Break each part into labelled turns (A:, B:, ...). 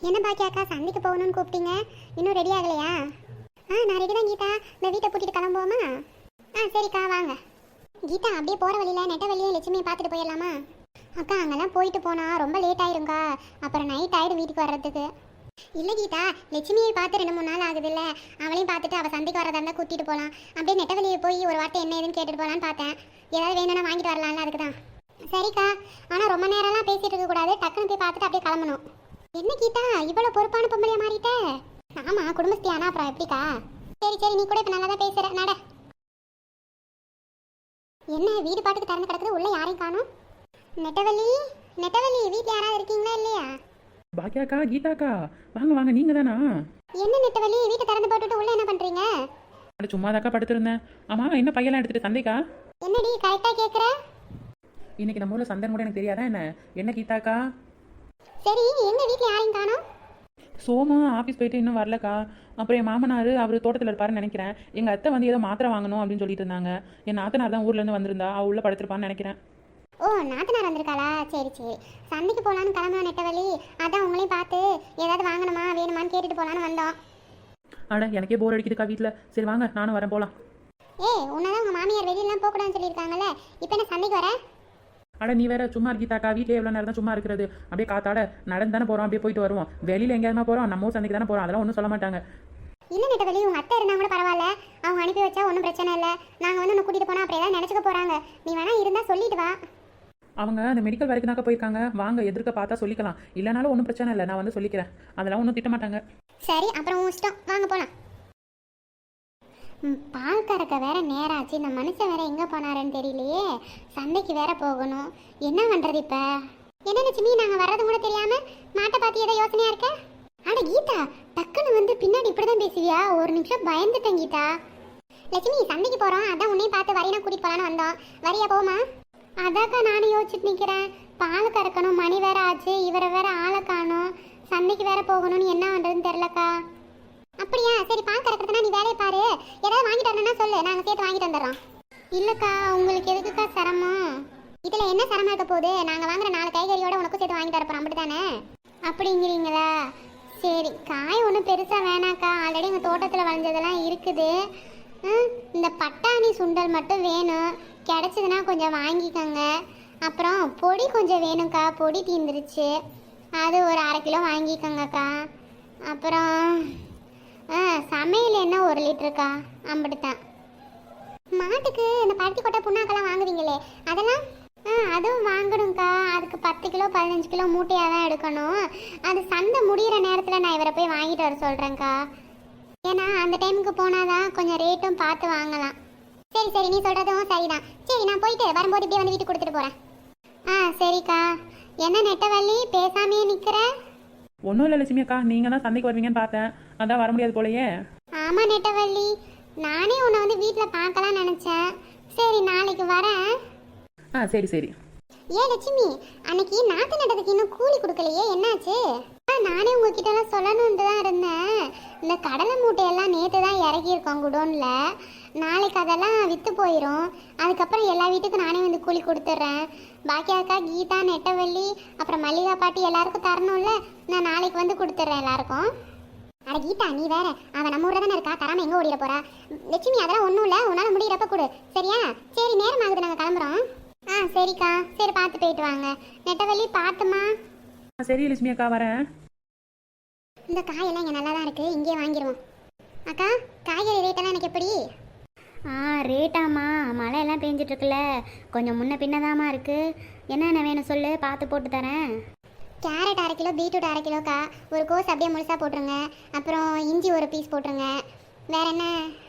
A: என்ன பாக்கியாக்கா சந்தைக்கு போகணும்னு கூப்பிட்டீங்க, இன்னும் ரெடி ஆகலையா? நான் ரெடி தான் கீதா. இந்த வீட்டை பூட்டிட்டு கிளம்புவோமா? சரிக்கா வாங்க. கீதா அப்படியே போகிற வழியில் நெட்ட வழியே லட்சுமியை பார்த்துட்டு போயிடலாமா? அக்கா அங்கெல்லாம் போயிட்டு போனால் ரொம்ப லேட் ஆயிருங்கா, அப்புறம் நைட் ஆகிடும் வீட்டுக்கு வர்றதுக்கு. இல்லை கீதா, லட்சுமியை பார்த்து 2-3 நாள் ஆகுதுல்ல, அவளையும் பார்த்துட்டு அவள் சந்தைக்கு வரதா இருந்தால் கூட்டிகிட்டு போகலாம். அப்படியே நெட்ட வழியை போய் ஒரு வாட்டை என்ன ஏதுன்னு கேட்டுட்டு போகலான்னு பார்த்தேன். ஏதாவது வேணும்னா வாங்கிட்டு வரலாம்ல, அதுக்கு தான். சரிக்கா, ஆனால் ரொம்ப நேரம்லாம் பேசிகிட்டு இருக்கக்கூடாது, டக்குன்னு போய் பார்த்துட்டு அப்படியே கிளம்பணும். என்ன கீதா இவ்வளோ பொறுப்பான பொம்பளையா மாறிட்ட? ஆமாம், குடும்பஸ்தியானா அப்புறம் எப்படிக்கா? சரி நீ கூட இப்போ நல்லா தான் பேசுகிற நட. என்ன வீடு பாட்டுக்கு திறந்து கிடக்குது, உள்ள யாரையும் காணும்? நெட்டவள்ளி வீட்டில் யாராவது இருக்கீங்களா இல்லையா?
B: பாக்கியாக்கா, கீதாக்கா, வாங்க வாங்க, நீங்க தானா?
A: என்ன நெட்டவள்ளி வீட்டை திறந்து போட்டுட்டு உள்ள என்ன பண்றீங்க?
B: சும்மாதாக்கா படுத்திருந்தேன். ஆமா, என்ன பையெல்லாம் எடுத்துட்டு சந்தைக்கா?
A: என்னடி கரெக்டா கேக்குற?
B: இன்னைக்கு நம்ம ஊர்ல சந்தை கூட எனக்கு தெரியாதா என்ன கீதாக்கா?
A: சரி, எங்க வீட்டில் யாரையும் காணும்?
B: சோமு ஆஃபீஸ் போயிட்டு இன்னும் வரலக்கா. அப்புறம் என் மாமனார் அவர் தோட்டத்தில் இருப்பாருன்னு நினைக்கிறேன். எங்கள் அத்தை வந்து ஏதோ மாத்திரை வாங்கணும் அப்படின்னு சொல்லிட்டு இருந்தாங்க. என் நாத்தனார் தான் ஊர்லேருந்து வந்திருந்தா, அவள் உள்ள படுத்திருப்பான்னு நினைக்கிறேன்.
A: ஓ, நாத்தனார் வந்திருக்காளா? சரி சந்தைக்கு போகலான்னு கிளம்புன நெட்டவள்ளி, அதான் உங்களையும் பார்த்து ஏதாவது வாங்கணுமா வேணுமான்னு கேட்டுட்டு போகலான்னு வந்தோம்.
B: அட எனக்கே போர் அடிக்குதுக்கா வீட்டில். சரி வாங்க, நானும் வரேன், போகலாம்.
A: உன்னதான் உங்கள் மாமியார் வெளியெல்லாம் போகக்கூடாதுன்னு சொல்லியிருக்காங்கல்ல, இப்போ என்ன சந்தைக்கு வர?
B: அட நீ வேற சும்மா இருக்கீதாக்கா, வீட்டிலே எவ்வளோ நேரம் தான் சும்மா இருக்கிறது? அப்படியே காத்தாட நடந்து தானே போகிறோம், அப்படியே போயிட்டு வருவோம். வெளியில் எங்கேயாவது போகிறோம், நம்ம ஊர் சந்தைக்கு தானே போகிறோம், அதெல்லாம் ஒன்றும் சொல்ல மாட்டாங்க.
A: இல்லை நெட்டவள்ளி, உங்கள் அத்தை இருந்தால் கூட பரவாயில்ல, அவங்க அனுப்பி வச்சா ஒன்றும் பிரச்சனை இல்லை. நாங்கள் வந்து உன்னை கூட்டிகிட்டு போனால் அப்படி ஏதாவது நினச்சிக்க போகிறாங்க. நீ வேணா இருந்தால் சொல்லிட்டு வா.
B: அவங்க அந்த மெடிக்கல் வரைக்கும் தாக்கா போயிருக்காங்க. வாங்க, எதிர்க்க பார்த்தா சொல்லிக்கலாம், இல்லைனாலும் ஒன்றும் பிரச்சனை இல்லை, நான் வந்து சொல்லிக்கிறேன், அதெல்லாம் ஒன்றும் திட்ட மாட்டாங்க.
A: சரி, அப்புறம் உன் இஷ்டம், வாங்க போகலாம். பால் கறக்க வேற நேரம் ஆச்சு, இந்த மனுஷன் வேற எங்கே போனாருன்னு தெரியலையே. சந்தைக்கு வேற போகணும், என்ன பண்ணுறது இப்போ? என்ன லட்சுமி, நாங்கள் வர்றது கூட தெரியாமல் மாட்டை பார்த்து ஏதோ யோசனையாக இருக்க? அட கீதா, டக்குன்னு வந்து பின்னாடி இப்படி தான் பேசுவியா? ஒரு நிமிஷம் பயந்துட்டேன் கீதா. லட்சுமி சந்தைக்கு போகிறோம், அதான் உன்னையும் பார்த்து வரையினா கூட்டிகிட்டு போகலான்னு வந்தோம். வரியா போமா? அதாக்கா நானும் யோசிச்சுட்டு நிற்கிறேன். பால் கறக்கணும், மணி வேற ஆச்சு, இவரை வேற ஆளை காணும், சந்தைக்கு வேற போகணும்னு என்ன பண்ணுறதுன்னு தெரிலக்கா. அப்படியா? சரி, பால் கறக்கிறதுனா நீ வேலையை பாரு, ஏதாவது வாங்கிட்டு வரணும்னா சொல்லு, நாங்கள் சேர்த்து வாங்கிட்டு வந்துடுறோம். இல்லைக்கா, உங்களுக்கு எதுக்குக்கா சிரமம்? இதில் என்ன சிரமம் இருக்க போகுது? நாங்கள் வாங்குற 4 காய்கறியோட உனக்கும் சேர்த்து வாங்கி தரப்போம், அப்படி தானே? அப்படிங்கிறீங்களா? சரி, காய் ஒன்றும் பெருசாக வேணாக்கா, ஆல்ரெடி எங்கள் தோட்டத்தில் வளைஞ்சதெல்லாம் இருக்குது. இந்த பட்டாணி சுண்டல் மட்டும் வேணும், கிடச்சிதுன்னா கொஞ்சம் வாங்கிக்கோங்க. அப்புறம் பொடி கொஞ்சம் வேணும்க்கா, பொடி தீந்துருச்சு, அது ஒரு 1/2 கிலோ வாங்கிக்கோங்கக்கா. அப்புறம் சமையல் என்ன 1 லிட்டருக்கா, அம்பிட்டுத்தான். மாட்டுக்கு இந்த பருத்தி கொட்டை புண்ணாக்கெல்லாம் வாங்குவீங்களே, அதெல்லாம் அதுவும் வாங்கணும்க்கா. அதுக்கு 10 கிலோ 15 கிலோ மூட்டையாக தான் எடுக்கணும். அது சந்தை முடிகிற நேரத்தில் நான் இவரை போய் வாங்கிட்டு வர சொல்கிறேங்க்கா. ஏன்னா அந்த டைமுக்கு போனால் தான் கொஞ்சம் ரேட்டும் பார்த்து வாங்கலாம். சரி நீ சொல்கிறதும் சரிதான். சரி, நான் போயிட்டு வரும்போது இப்படியே வந்து வீட்டுக்கு கொடுத்துட்டு போகிறேன். சரிக்கா. என்ன நெட்டவள்ளி பேசாமையே நிற்கிற?
B: ஒன்றும் இல்லை லட்சுமி அக்கா, நீங்கள் தான் சந்தைக்கு வருவீங்கன்னு பார்த்தேன், அதான் வர முடியாது போலையே.
A: ஆமாம் நெட்டவள்ளி, நானே உன்னை வந்து வீட்டில் பார்க்கலாம் நினச்சேன். சரி, நாளைக்கு வரேன்.
B: சரி.
A: ஏன் லட்சுமி, அன்னைக்கு நாற்று நட்டதுக்கு இன்னும் கூலி கொடுக்கலையே, என்னாச்சு? நானே உங்ககிட்டலாம் சொல்லணுன்ட்டு தான் இருந்தேன். இந்த கடலை மூட்டையெல்லாம் நேற்று தான் இறக்கியிருக்கோம் குடோனில். நாளைக்கு அதெல்லாம் விற்று போயிடும். அதுக்கப்புறம் எல்லா வீட்டுக்கும் நானே வந்து கூலி கொடுத்துட்றேன். பாக்கியாக்கா, கீதா, நெட்டவள்ளி, அப்புறம் மல்லிகா பாட்டி எல்லாருக்கும் தரணும்ல, நான் நாளைக்கு வந்து கொடுத்துட்றேன் எல்லாருக்கும். அட கீதா, நீ வேற, அவன் நம்ம ஊரில் தானே இருக்கா, தராமல் எங்கே ஓடிட போறா? லட்சுமி, அதெல்லாம் ஒன்றும் இல்லை, உன்னால் முடிகிறப்ப கொடு, சரியா? சரி, நேரம் ஆகுது, நாங்கள் கிளம்புறோம். சரிக்கா, சரி, பார்த்து போயிட்டு வாங்க. நெட்டவள்ளி பார்த்துமா.
B: சரி லட்சுமி அக்கா, வரேன்.
A: இந்த காயெல்லாம் இங்கே நல்லா தான் இருக்குது, இங்கே வாங்கிடுவோம். அக்கா, காய்கறி ரேட்டெல்லாம் எனக்கு எப்படி?
C: ரேட்டாம்மா, மழையெல்லாம் பெஞ்சிட்ருக்குல்ல, கொஞ்சம் முன்ன பின்னதாம்மா இருக்குது. என்னென்ன வேணும் சொல்லு, பார்த்து போட்டு தரேன்.
A: கேரட் 1/2 கிலோ, பீட்ரூட் 1/2 கிலோக்கா. ஒரு கோஸ் அப்படியே முழுசாக போட்டுருங்க. அப்புறம் இஞ்சி ஒரு பீஸ் போட்டுருங்க. வேற என்ன?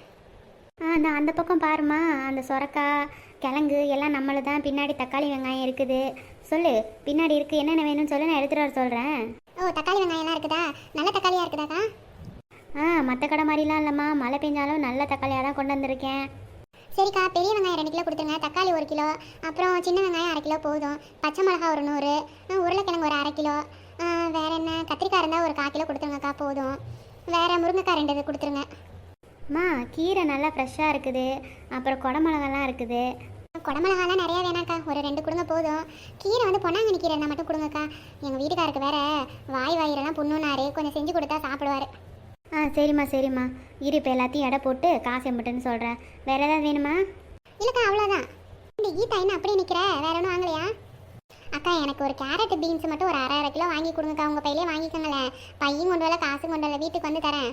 C: அந்த பக்கம் பாருமா, அந்த சொரக்காய் கிழங்கு எல்லாம் நம்மளு தான். பின்னாடி தக்காளி வெங்காயம் இருக்குது. சொல்லு, பின்னாடி இருக்குது, என்னென்ன வேணும்னு சொல்லு, நான் எடுத்துகிட்டு வர சொல்கிறேன்.
A: தக்காளி வெங்காயம்லாம் இருக்குதா? நல்ல தக்காளியாக இருக்குதாக்கா?
C: மற்ற கடை மாதிரிலாம் இல்லைம்மா, மழை பெஞ்சாலும் நல்ல தக்காளியாக தான் கொண்டு வந்திருக்கேன்.
A: சரிக்கா, பெரிய வெங்காயம் 2 கிலோ கொடுத்துருங்க, தக்காளி 1 கிலோ, அப்புறம் சின்ன வெங்காயம் 1/2 கிலோ போதும், பச்சை மிளகா ஒரு 100, உருளைக்கிழங்கு ஒரு 1/2 கிலோ, வேற என்ன, கத்திரிக்காய் இருந்தால் ஒரு 1/4 கிலோ கொடுத்துருங்கக்கா, போதும். வேற முருங்கைக்காய் 2 இது கொடுத்துருங்க.
C: கீரை நல்லா ஃப்ரெஷ்ஷாக இருக்குது, அப்புறம் குடமிளகாலாம் இருக்குது.
A: குடமிளகாலாம் நிறையா வேணாக்கா, ஒரு 2 கொடுங்க போதும். கீரை வந்து பொன்னாங்கண்ணி கீரை இருந்தால் மட்டும் கொடுங்கக்கா. எங்கள் வீட்டுக்காருக்கு வேற வாய் வயிறெல்லாம் புண்ணுனாரு, கொஞ்சம் செஞ்சு கொடுத்தா சாப்பிடுவாரு.
C: சரிம்மா சரிம்மா, இரு இப்போ எல்லாத்தையும் எடை போட்டு காசு எம்பிட்டுன்னு சொல்கிறேன். வேறு ஏதாவது வேணுமா?
A: இல்லைக்கா அவ்வளோதான். இந்த கீதா என்ன அப்படியே நிற்கிற, வேற ஒன்றும் வாங்கலையா? அக்கா எனக்கு ஒரு கேரட் பீன்ஸ் மட்டும் ஒரு 1/2 கிலோ வாங்கி கொடுங்கக்கா. உங்கள் பையிலே வாங்கிக்கோங்களேன், பையும் கொண்டு வரல காசும் கொண்டு வரல, வீட்டுக்கு வந்து தரேன்.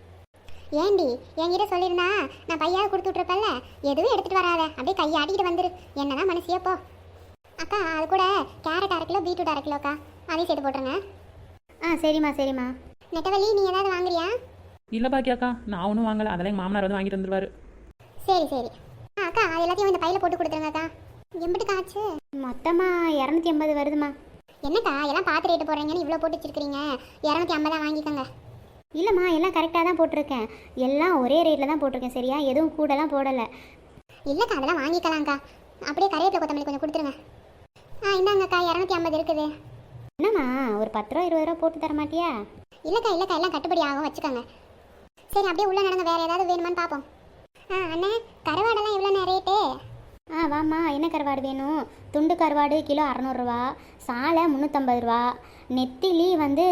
A: ஏண்டி என்கிட்ட சொல்லியிருந்தா நான் பையாவது கொடுத்து விட்ருப்பேன்ல, எதுவும் எடுத்துகிட்டு வராத, அப்படியே கையை ஆட்டிக்கிட்டு வந்துரு. என்னதான் மனசியோ போ. அக்கா அது கூட கேரட் 1/2 கிலோ, பீட்ரூட் 1/2 கிலோக்கா, அதையும் சேர்த்து போட்டுருங்க.
C: சரிம்மா சரிம்மா.
A: நெட்டவள்ளி நீ ஏதாவது வாங்குறியா?
B: இல்லை பாக்கியாக்கா, நான் ஒன்றும் வாங்கலை, அதெல்லாம் எங்கள் மாமனார் வந்து வாங்கிட்டு வந்துருவாரு.
A: சரி சரி. அக்கா அது எல்லாத்தையும் இந்த பையில போட்டு கொடுத்துருங்கக்கா. எம்பிட்டு காச்சு?
C: மொத்தமாக 280 வருதுமா.
A: என்னக்கா எல்லாம் பார்த்து ரேட்டு போடுறீங்கன்னு இவ்வளோ போட்டு வச்சிருக்கீங்க, 250 வாங்கிக்கோங்க.
C: இல்லைம்மா எல்லாம் கரெக்டாக தான் போட்டிருக்கேன், எல்லாம் ஒரே ரேட்டில் தான் போட்டிருக்கேன் சரியா, எதுவும் கூடலாம் போடலை.
A: இல்லைக்கா அதெல்லாம் வாங்கிக்கலாம்க்கா. அப்படியே கருவேப்பிலை கொத்தமல்லி கொஞ்சம் கொடுத்துருங்க. இந்தாங்கக்கா 250 இருக்குது.
C: என்னம்மா ஒரு 10 ரூபா 20 ரூபா போட்டு தர மாட்டியா?
A: இல்லைக்கா எல்லாம் கட்டுப்படி ஆகும், வச்சுக்கோங்க. சரி அப்படியே உள்ள நடங்க, வேறு ஏதாவது வேணுமான்னு பார்ப்போம். அண்ணே கருவாடெல்லாம் எவ்வளோண்ணே ரேட்டு?
C: வாம்மா, என்ன கருவாடு வேணும்? துண்டு கருவாடு கிலோ 600 ரூபா, சாலை 350 ரூபா, நெத்திலி வந்து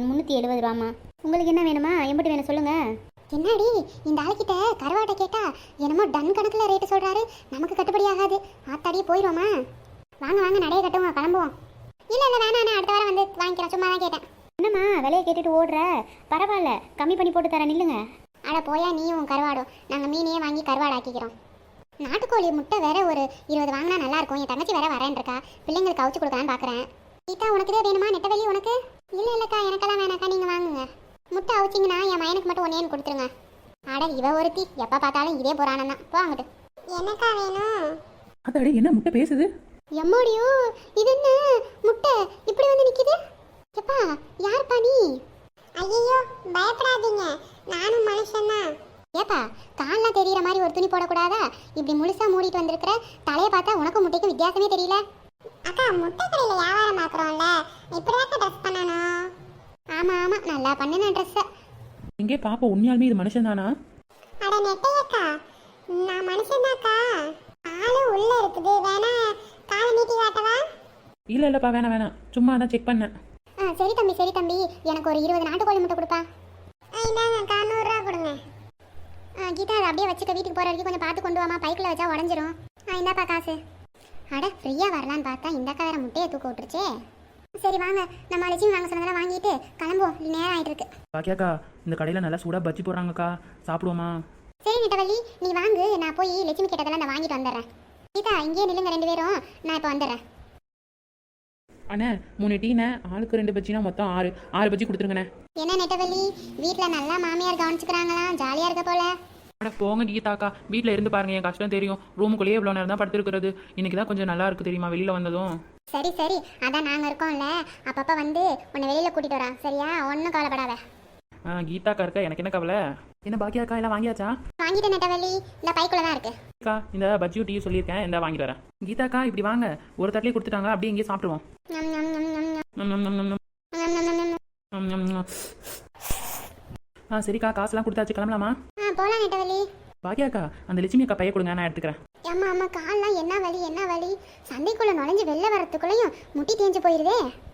C: 370 ரூபாம்மா. உங்களுக்கு என்ன வேணுமா, எம்பிட்டு வேணும் சொல்லுங்கள்.
A: என்னடி இந்த ஆளுக்கிட்ட கருவாட்டை கேட்டா என்னமோ டன் கணக்கில் ரேட்டு சொல்கிறாரு, நமக்கு கட்டுப்படி ஆகாது. ஆத்தாடியே போயிடுவோமா? வாங்க வாங்க நடைய கட்டுவோம், கிளம்புவோம். இல்லை வேணாண்ணே, அடுத்த வாரம் வந்து வாங்கிக்கிறேன், சும்மா தான் கேட்டேன்.
C: என்னம்மா விலையை கேட்டுட்டு ஓடுற? பரவாயில்ல, கம்மி பண்ணி போட்டு தரேன், நில்லுங்க.
A: அட போயா நீயும் கருவாடும், நாங்கள் மீனையே வாங்கி கருவாடு ஆக்கிக்கிறோம். நாட்டுக்கோழி முட்டை வேற ஒரு 20 வாங்கினா நல்லாயிருக்கும். என் தங்கச்சி வேற வரேன்ருக்கா, பிள்ளைங்களுக்கு அவிச்சு கொடுக்கலான்னு பார்க்குறேன். கீதா உனக்கு இதே வேணுமா? நெட்டவெளி உனக்கு? இல்லைக்கா எனக்கெல்லாம் வேணாக்கா, நீங்கள் வாங்குங்க. முட்டை அவிச்சிங்கன்னா என் மயனுக்கு மட்டும் 1 கொடுத்துருங்க. அட இவ ஒருத்தி எப்போ பார்த்தாலும் இதே புராணம் தான். போவாங்கட்டு. எனக்கா வேணும்?
B: அதாடி என்ன முட்டை பேசுது?
A: எம்மோடியோ இது என்ன முட்டை இப்படி வந்து நிற்கிது? எப்பா யார்ப்பா நீ? ஐயோ பயப்படாதீங்க, நானும் மனுஷன்தான். ஏப்பா கால்லாம் தெரியுற மாதிரி ஒரு துணி போடக்கூடாதா? இப்படி முழுசா மூடிட்டு வந்திருக்கிற, தலையை பார்த்தா உனக்கும் முட்டைக்கும் வித்தியாசமே தெரியல. அக்கா முட்டை கடையில் வியாபாரம் பார்க்குறோம்ல, இப்படிதான் ட்ரெஸ் பண்ணணும். ஆமாம் நல்லா பண்ணுன ட்ரெஸ்ஸை.
B: எங்கே பாப்பா, உண்மையாலுமே இது மனுஷன் தானா?
A: அட நெட்டையக்கா, நான் மனுஷன்தாக்கா, ஆளும் உள்ள இருக்குது, வேணா காலை நீட்டி காட்டவா?
B: இல்லைப்பா வேணாம், சும்மா தான் செக் பண்ணேன்.
A: சரி தம்பி, எனக்கு ஒரு 20 நாட்டுக்கோழி முட்டை கொடுப்பா. இந்தாங்கக்கா 100 ரூபா கொடுங்க. கீதா அதை அப்படியே வச்சுக்க, வீட்டுக்கு போகிற வரைக்கும் கொஞ்சம் பார்த்து கொண்டு வாமா, பைக்கில் வச்சா உடஞ்சிரும். இந்தாப்பா காசு. அட ஃப்ரீயாக வரலான்னு பார்த்தா இந்தாக்கா வேற முட்டையை தூக்க விட்டுருச்சே. சரி வாங்க, நம்ம லட்சுமி வாங்க சொன்னதெல்லாம் வாங்கிட்டு கிளம்புவோம், நேரம் ஆகிட்டு இருக்கு.
B: பாக்கியாக்கா இந்த கடையில் நல்லா சூடாக பஜ்ஜி போடுறாங்கக்கா, சாப்பிடுவோமா?
A: சரி நெட்டவள்ளி நீ வாங்கு, நான் போய் லட்சுமி கேட்டதெல்லாம் நான் வாங்கிட்டு வந்துடுறேன். கீதா இங்கேயே நில்லுங்க 2 பேரும், நான் இப்போ வந்துடுறேன்.
B: அண்ணே 3 டீண்ணே, ஆளுக்கு 2 பஜ்ஜினா மொத்தம் 6 பஜ்ஜி கொடுத்துருங்கண்ணே.
A: என்ன நெட்டவள்ளி வீட்டில் நல்லா மாமியார் கவனிச்சுக்கிறாங்களாம், ஜாலியாக இருக்க போல.
B: அட போங்க கீதாக்கா, வீட்டில் இருந்து பாருங்க, என் கஷ்டம் தெரியும். ரூமுக்குள்ளேயே இவ்வளோ நேரம் தான் படுத்துருக்கிறது, இன்னைக்கு தான் கொஞ்சம் நல்லா இருக்கு தெரியுமா, வெளியில் வந்ததும்.
A: சரி அதான் நாங்கள் இருக்கோம்ல, அப்பப்போ வந்து உன்னை வெளியில் கூட்டிகிட்டு வரா, சரியா? ஒன்றும் கவலைப்படாத.
B: கீதாக்கா இருக்க, எனக்கு என்ன கவலை. என்ன பாக்கியாக்கா எல்லாம் வாங்கியாச்சா?
A: வாங்கிட்டு நெட்டவள்ளி இந்த பைக்குள்ள தான் இருக்கு.
B: அக்கா இந்த பஜ்ஜியும் டீ சொல்லியிருக்கேன், இந்த வாங்கிட்டு வரேன். கீதாக்கா இப்படி வாங்க, ஒரு தட்டிலே கொடுத்துட்டாங்க, அப்படியே இங்கேயே சாப்பிடுவோம்.
A: ஞம், ஞம், ஞம், ஞம், ஞம்.
B: ம், ம், ம், ம், ம்.
A: ஞம், ஞம், ஞம், ஞம்.
B: ம், ம், ம். சரிக்கா, காசுலாம் கொடுத்தாச்சு, கிளம்பலாமா?
A: போகலாம் நெட்டவள்ளி.
B: பாக்கியாக்கா அந்த லட்சுமி அக்கா பைய கொடுங்க, நான் எடுத்துக்கிறேன்.
A: அம்மா கால்லாம் என்ன வலி சந்தைக்குள்ளே நுழைஞ்சு வெளில வரத்துக்குள்ளேயும் முட்டி தேஞ்சு போயிருதே.